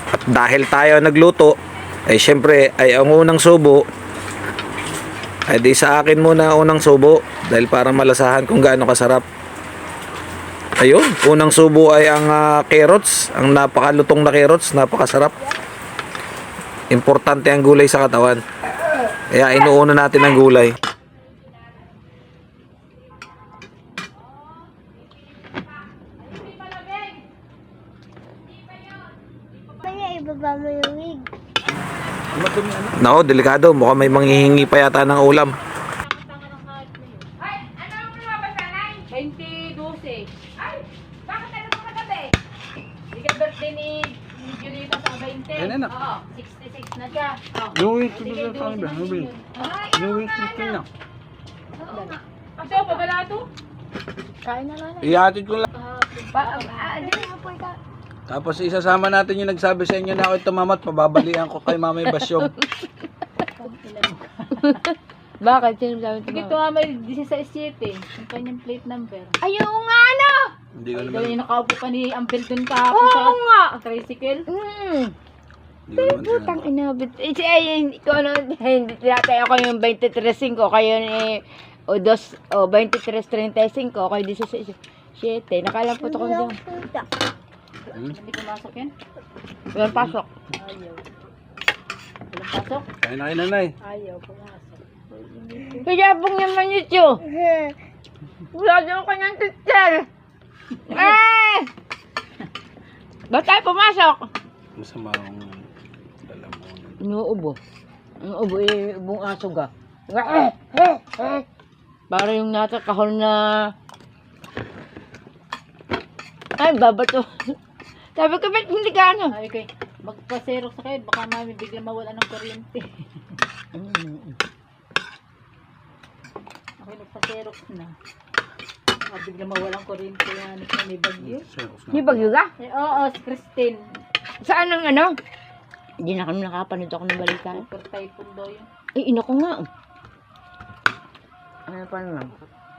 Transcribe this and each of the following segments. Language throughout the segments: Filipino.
At dahil tayo nagluto, ay syempre ay ang unang subo ay di sa akin muna unang subo dahil para malasahan kung gaano kasarap. Ayun, unang subo ay ang carrots, ang napakalutong na carrots, napakasarap. Importante ang gulay sa katawan. Kaya inuuna natin ang gulay. Kaya ibaba mo yung wig. Nako, delikado. Mukhang may manghihingi pa yata ng ulam. Ay, ano ang lumabas na, Nay? 2012. Ay, bakit ano pa kagabi? Hindi ka birthday ni Julita sa 20. Ayun, anak. Oo, 66 na siya. Oh. Nuwi, Sige, ito sa akin ba? 12 Nuwi. na yun. Ay, Nuwi, oo nga, ito anak. na. Oo nga. Ito, babala to? Kain na lang. Ihatid ko lang. Hindi na po ikaw. Tapos isasama natin yung nagsabi sa inyo na ako'y tumamat, pababalian ko kay Mama Basyong. Bakit? Sino sabi Sige, ito nga may 16-7. Yung kanyang plate number. Ayaw nga ano! Hindi ko Dahil naman, yung nakaupo pa ni Ampel dun kahapon Oo sa nga! tricycle. hindi ko naman Putang sinabi. inabit. Hindi ko ano, hindi tinatay ako yung 23.5, kayo ni o 23.35, kayo 16.7. Nakalang po ito ko dyan. Hindi pumasok yan. Walang pasok. Ayaw. Walang pasok? Kain na kayo, nanay. Ayaw, pumasok. Kaya pong naman ito. Wala dyan ko ng teacher. Ba't tayo pumasok? Masama akong dala mo. Inuubo. Inuubo ibong aso ga. Para yung nasa kahon na... Ay, babato. Sabi ko, ba't hindi ka ano? Sabi ko, magpa-xerox sa kayo, baka mami bigla mawala ng kuryente. Ako nagpa-xerox na. Baka bigla mawalang kuryente yan. May bagyo. May bagyo ka? Eh, oo, si Christine. Saan ang ano? Hindi na kami nakapanood ako ng balita. Super typhoon daw yun. Eh, ina ko nga. Ano pa naman?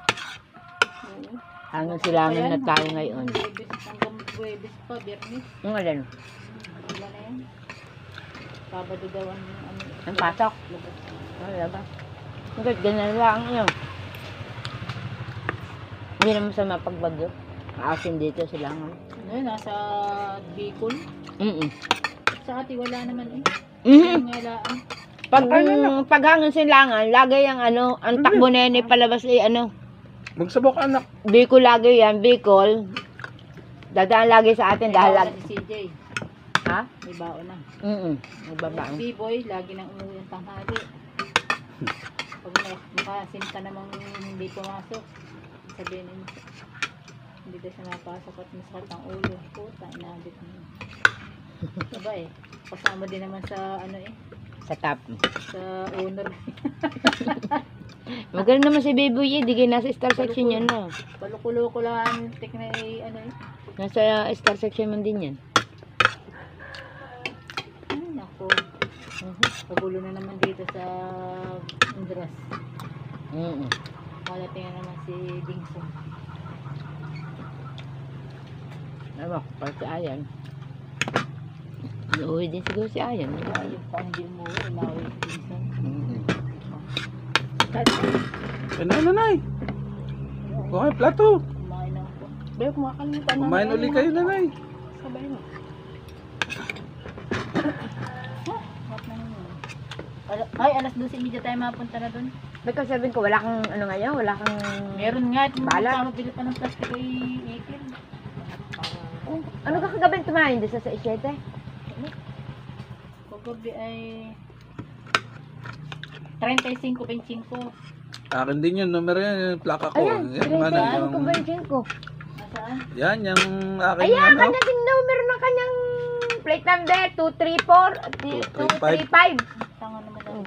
Hanggang silangan na tayo ngayon. Hanggang Buwebes pa, Biyernes. Ang alin? Wala na yan. Sabado daw ang ano. Ang pasok. Labas. Wala ba? Hanggang ganun lang yun. Hindi naman sa mapagbagyo. Aasin dito silangan. Ano yun, nasa Bicol. Sa ati, wala naman eh. Mhm. Yung ngalaan. Pag hanggang silangan, lagay ang ano, ang takbo na yan palabas ano. Magsabok anak. Bicol lagi yan, Bicol. Dadaan lagi sa atin dahil May lagi. baon na si CJ. Ha? May baon na. Nagbabaan. Si B-boy, lagi nang umuwi ang tanghali. Pag makasim ka namang hindi pumasok, sabihin niyo, hindi daw siya napasok at masakit ang ulo. Puta, inabit niya. Diba eh, kasama din naman sa ano eh, Sa top. sa owner. Magaling naman si Baby Ye, di kayo nasa star section yan na. Palukulo-ko lang ang tekna eh, ano eh. Nasa star section man din yan. Ay, nako. Pagulo na naman dito sa Andras. Malating na naman si Dingson. Ano, para si Ayan. Uuwi din siguro si Ayan. Ayun pa, hindi mo inawi si Dingson. Ano, nanay? Okay, plato. Kumain na ako. Pero kumakalimutan na. Kumain uli kayo, nanay. Sabay mo. What na yun? Ay, alas 12:30 tayo mapunta na dun. Ba't sabihin ko, wala kang ano ngayon? Wala kang... Meron nga. Bala. Mabili pa ng plastic ay 18. Oh, ano ka kagabi tumahin doon sa 7? Paggabi ay 35-25. Akin din yun, numero yan, yung plaka ko. Ayan, Yan, ano, ano yung, ko ba yung ko? Nasaan? yan, yung aking Ayan, ano. kanya din numero ng kanyang plate number 234 235. Tanga naman daw.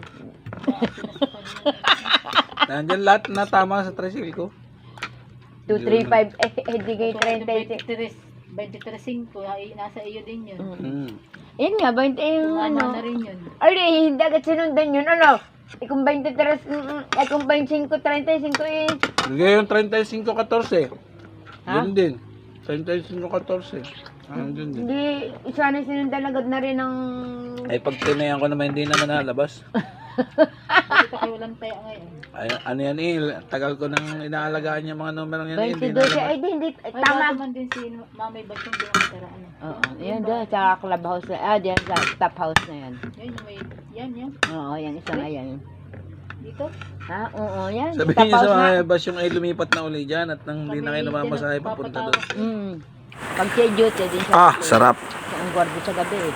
Nandyan lahat na tama sa tricycle ko. 235 di kayo 36. 23.5 ay nasa iyo din yun. Ayan nga, 20 yung Ano ano. na rin yun. Ay, hindi agad sinundan yun, ano? Kung 23, kung 25, 35 eh. Bigay yung 35-14. Ha? Yun din. 35-14. Andun din. Hindi, sana sinundan agad na rin ng... Ay pag tinayan ko naman hindi naman nalabas. Bakit kayo walang taya ngayon? Ay, ano yan tagal ko nang inaalagaan yung mga numero yan 22 hindi siya. nalabas. Ay, hindi. Ay, Tama. naman din si Mamay Basong doon ang tara, ano. Oo, yan doon. Sa clubhouse na. Diyan sa top house na yan. Yan, yung may, yan. Oo, yan. Isa nga yan. Dito. Ha? Oo, yan. Sabihin Top niyo sa house na. mga bus yung ay lumipat na uli dyan at nang hindi na kayo namamasahe papunta doon. Pag siya duty din siya. Ah, sarap. Ang gwardo sa gabi eh.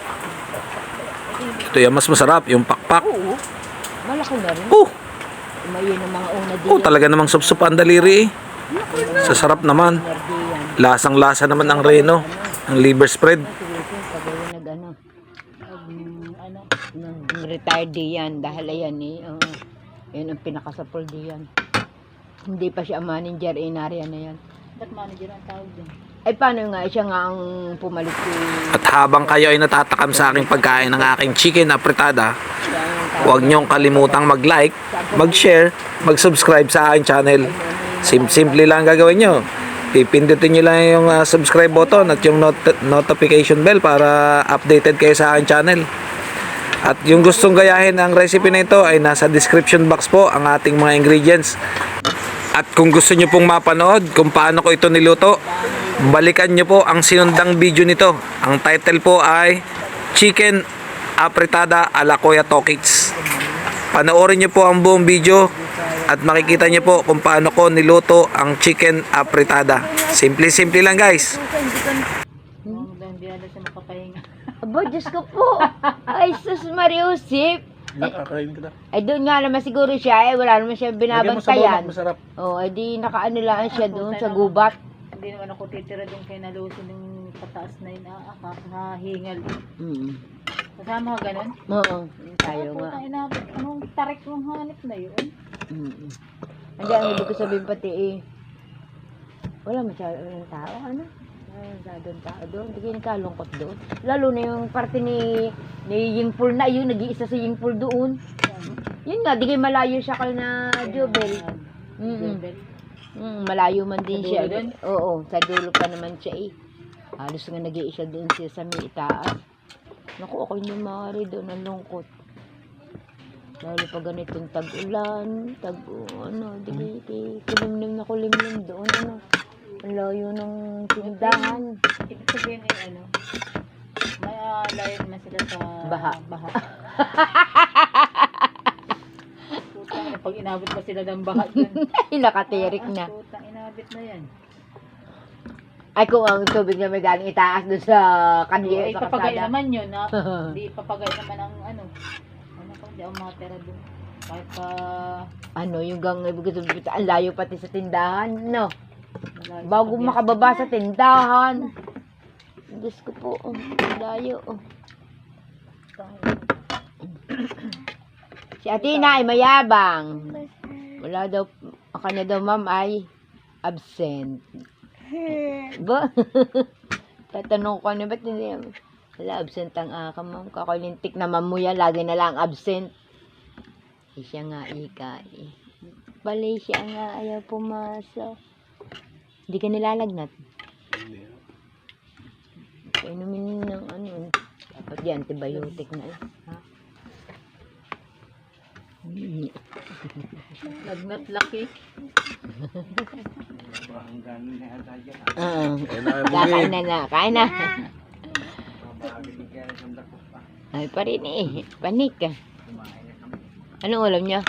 Ito yung mas masarap, yung pakpak. Oo. Malaki na rin. Oh, Umayin ang mga una din. oh talaga namang supsup ang daliri eh. Sa sarap naman. Lasang-lasa naman ang reno. Ang liver spread. Pagawin nag-ano. Ano. Retired diyan dahil ayan eh. Yan ang pinakasapol diyan. Hindi pa siya manager in area na yan. Ba't manager ang tawag din? Ay paano nga siya nga ang pumalit si At habang kayo ay natatakam sa aking pagkain ng aking chicken apretada, siya ang tawag. huwag niyong kalimutang mag-like, mag-share, mag-subscribe sa aking channel. Simple lang gagawin nyo. Pipindutin nyo lang yung subscribe button at yung notification bell para updated kayo sa aking channel. At yung gustong gayahin ang recipe na ito ay nasa description box po ang ating mga ingredients. At kung gusto nyo pong mapanood kung paano ko ito niluto, balikan nyo po ang sinundang video nito. Ang title po ay Chicken Apretada ala Kuya Tokits. Panoorin nyo po ang buong video at makikita nyo po kung paano ko niluto ang chicken apretada. Simple lang guys. Hindi na siya makapahinga. Aba, Diyos ko po. Ay, sus Mariusip. Nakakain kita. Ay, doon nga naman siguro siya. Wala naman siya Lagyan mo sa binabantayan. bawang masarap. Ay di nakaano lang siya doon sa gubat. Hindi naman ako titira doon kay Nalusin ng pataas na yun. Nakahingal. Kasama ka ganun? Oo, tayo nga. Putang ina, anong tarik mong hanip na yun? Hindi, ang ibig ko sabihin pati eh. Wala masyadong tao, ano? Wala masyadong tao doon. Hindi kayo nagkalungkot doon. Lalo na yung parte ni Yingpul na yun. Nag-iisa si Yingpul doon. Yun nga, di kayo malayo siya kay na Jobel. Jobel. Malayo man din Sa siya. dulo dun? Oo, sa dulo pa naman siya eh. Halos nga nag-iisa doon siya sa may itaas. Naku, ako yung maaari doon. Ang lungkot. Lalo pa ganitong tag-ulan, di kulimlim na kulimlim doon, ano. Ang layo ng tindahan. Ibig sabihin ay ano, may layo naman sila sa Baha. Putang ina, pag inabot pa sila ng baha dyan. Ay, nakatirik na. Putang inabot na yan. Ay, kung ang tubig na may galing itaas doon sa kanyo, Ay, sa papagay kasada. naman yun, ha? Hindi papagay naman ang ano. Ano pa, hindi ako makatera doon. Kahit pa, Ano, yung gang, ibig sabihin, ang layo pati sa tindahan, no? malayo Bago pa makababa sa tindahan. Diyos ko po, ang layo. Si Atina ay mayabang. Wala daw, ang kanya daw ma'am ay absent. Ba? Tatanong ko na ba't hindi? Wala, absent ang aka ma'am. Kakulintik naman mo yan, lagi na lang absent. Eh, siya nga ika eh. Bali siya nga ayaw pumasok. Hindi ka nilalagnat. Inumin ng ano. Dapat di antibiotic na eh. Ha? lagnat laki. Kakain na. Kain na. Ay pa rin eh. Panik ka. Anong ulam niya?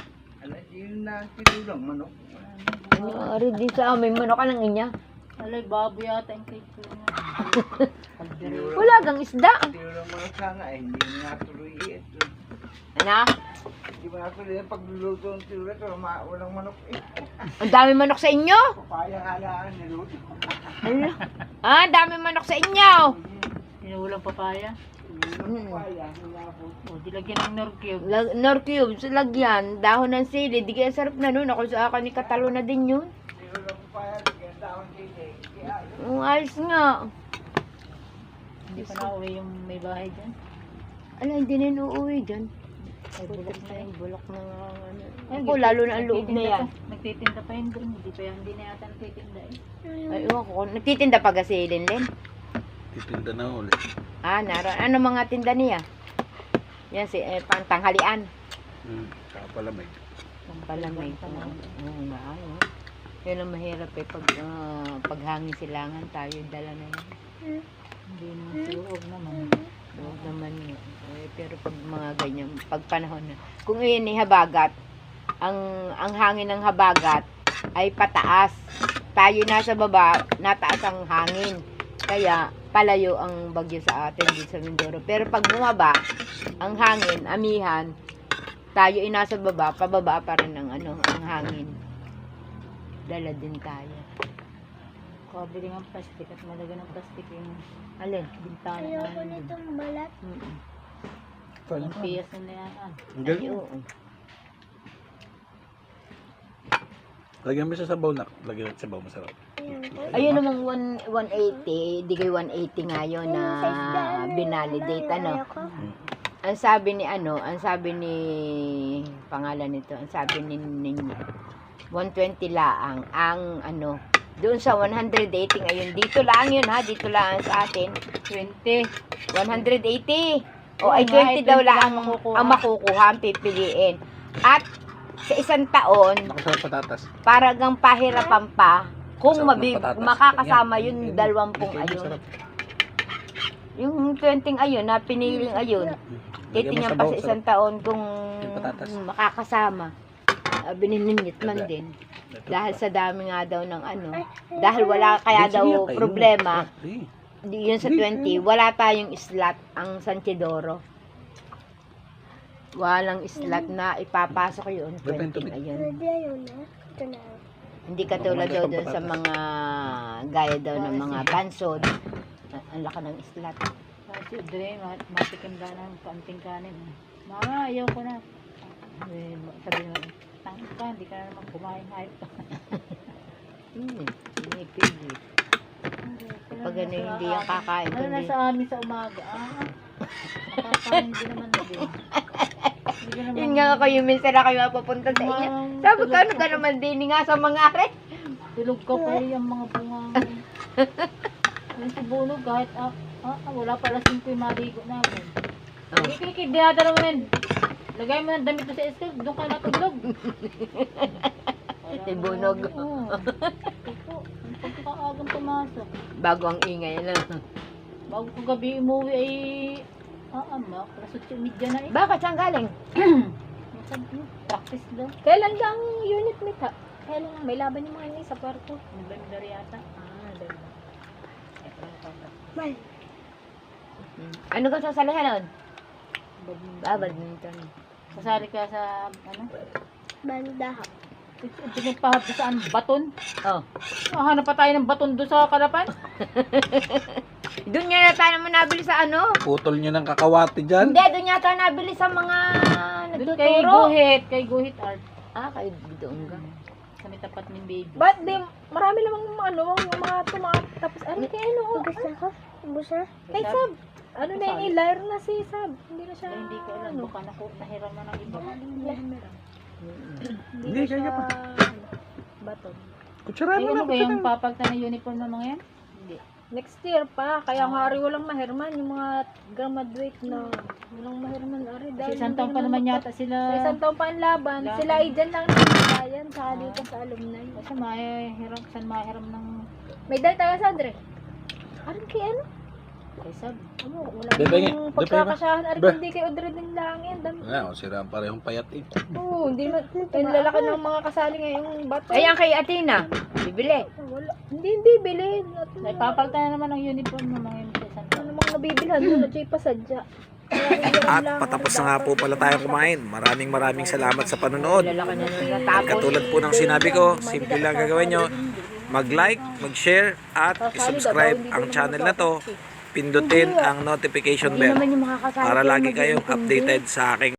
Ano, rin din sa amin. Manok ka ng inya. Alay, baboy yata yung cake ko nga. Wala kang isda. Hindi na natuloy ito. Ano? Hindi ba natuloy yung pagluluto ng tira ito, walang manok eh. Ang dami manok sa inyo. Papaya halaan niluto. Ano? Ah, ang dami manok sa inyo. Sinulang papaya. Papaya, hinapon. O, dilagyan ng nor cube. Nor cubes, lagyan. Dahon ng sili. Di kaya sarap na nun. Ako sa akin ni Katalo na din yun. Nilulang papaya, lagyan daon sili. Ayos nga. Hindi pa na-uwi yung may bahay dyan. Ano, hindi na yun uuwi dyan. Ay, bulok na yun. Bulok na nga. Ano. Ay, Ako, lalo na ang loob na yan. Nagtitinda pa yun doon. Hindi na yata nagtitinda eh. Ay, iwan ko. Nagtitinda pa kasi Linlen. Titinda na ulit. Ah, naroon. Ano mga tinda niya? Yan, pantanghalian. Saka palamig. Palamay ko. Oo nga, ano. Yun ang mahirap pag paghangin silangan tayo, dala na yun. Hindi naman suhog naman. Huwag naman yun. Pero pag mga ganyan, pag panahon na. Kung yun ay habagat, ang hangin ng habagat ay pataas. Tayo nasa baba, nataas ang hangin. Kaya palayo ang bagyo sa atin dito sa Mindoro. Pero pag bumaba, ang hangin, amihan, tayo ay nasa baba, pababa pa rin ang hangin. Dala din tayo. Kabili ng plastic at malaga ng plastic yung Alin? bintana namin. Mm-mm. Ang piyas na yan. Ang Ay, galing. oo. Lagyan mo sa sabaw na. Lagyan mo sa sabaw, masarap. Ayun namang 180, di kay 180 ngayon na binalidate, ano. Ang sabi ni pangalan nito, ang sabi ni 120 laang ang doon sa 180 ngayon. Dito lang yun ha, dito lang sa atin. 20. 180. O Oo ay nga, 20 ay daw 20 lang lang makukuha. ang makukuha, ang pipiliin. At sa isang taon, Nakasarap patatas. paragang pahirapan pa kung Sarap ng patatas. makakasama Yan. yung Yan. 20 Yan, ayun. masarap. Yung 20 ayun na piniling ayun. Lagyan mo Titingnan sabaw, pa sa isang taon kung Yung patatas. makakasama. Bininingit man din. Ito Dahil pa. sa dami nga daw ng dahil wala kaya Sige, daw kainin mo. problema. Sige. Yun sa 20, wala tayong slot ang San Chidoro. Walang slot na ipapasok yun. Depende 20 to me. ayun. Hindi katulad daw dun sa mga gaya daw ng mga bansod. Ang laki ng slot. Kasi Dre, matikim ka ng kaunting kanin. Mama, ayaw ko na. Sabi naman, tangin ka, hindi ka na naman kumain. Hayop ka. Hindi pili. Pag ano, hindi yung kakain. Ano na Kundi, sa amin sa umaga? Nakakain din naman na din. Hindi ka naman- yun nga kayo, minsan na kayo mapapunta sa inyo. Sabi ko, ano ka naman din nga sa mga are? Tulog ka pa yung mga bunga mo. Yung tubulog kahit wala pala 5 yung maligo namin. Oh. Kikikid, dinadala mo yun. Lagay mo ng damit mo sa eskel, doon ka natulog. Tibunog. Oo. Ito, ang pagkakaagang pumasok. Bago ang ingay lang. Bago ko gabi umuwi ay alas 8:30 na eh. Bakit saan galing? Practice daw. Kailan lang unit meet ha? Kailan lang may laban yung mga ini sa kwarto? November yata. Diba? Ano ka sasalihan nun? Badminton. Badminton. Sasali ka sa ano? Banda. Ito nagpahap saan? Baton? Oh. Hanap pa tayo ng baton doon sa Kalapan? Doon nga tayo naman nabili sa Putol nyo ng kakawati dyan. Hindi, doon yata nabili sa mga Doon kay nagtuturo. Guhit Art. Ah, kay doon ka. Sa may tapat ng baby. Ba't di, marami namang mga tapos ano kaya ano? Ubus na ko? Ubus na? Kay Sab. Ano na yung ilayro na si Sab. Hindi na siya, Hindi ko alam. Baka nahiram na ng iba. Hindi, kaya pa. Baton. Kutsara Ay, mo ano na. ba yung papagta ng uniform ng mga yan? Hindi. Next year pa, kaya nga ari walang mahirman, yung mga graduate na walang mahirman ari. Kasi isang taon pa naman yata sila. Sa isang taon pa ang laban, Laban. sila ay dyan lang nagbayan, saka dito sa alumni. Kasi mahiram ng May dahil tayo sa Andre. Arin kay ano? kay Sab. Ano, wala Bebe, yung bebe, pagkakasahan, arin Be. hindi kay Audrey din lang yan. Wala, sira ang parehong payat eh. Oo, hindi man, yung lalaki ng mga kasali ngayong bato. Ayan kay Athena. Bibili. Wala. Hindi bilhin. Naipapagta na naman ng uniform ng mga yun sa isang taon. Ano mga nabibilhan doon, at pa sadya. At patapos na nga po pala tayong kumain. Maraming salamat sa panonood. Lalaki na nung natapos. Katulad po ng sinabi ko, simple lang gagawin nyo. Mag-like, mag-share, at subscribe ang channel na to. Pindutin ang notification Hindi bell naman yung makakasali para kayo lagi kayong mag-iintindi. updated sa aking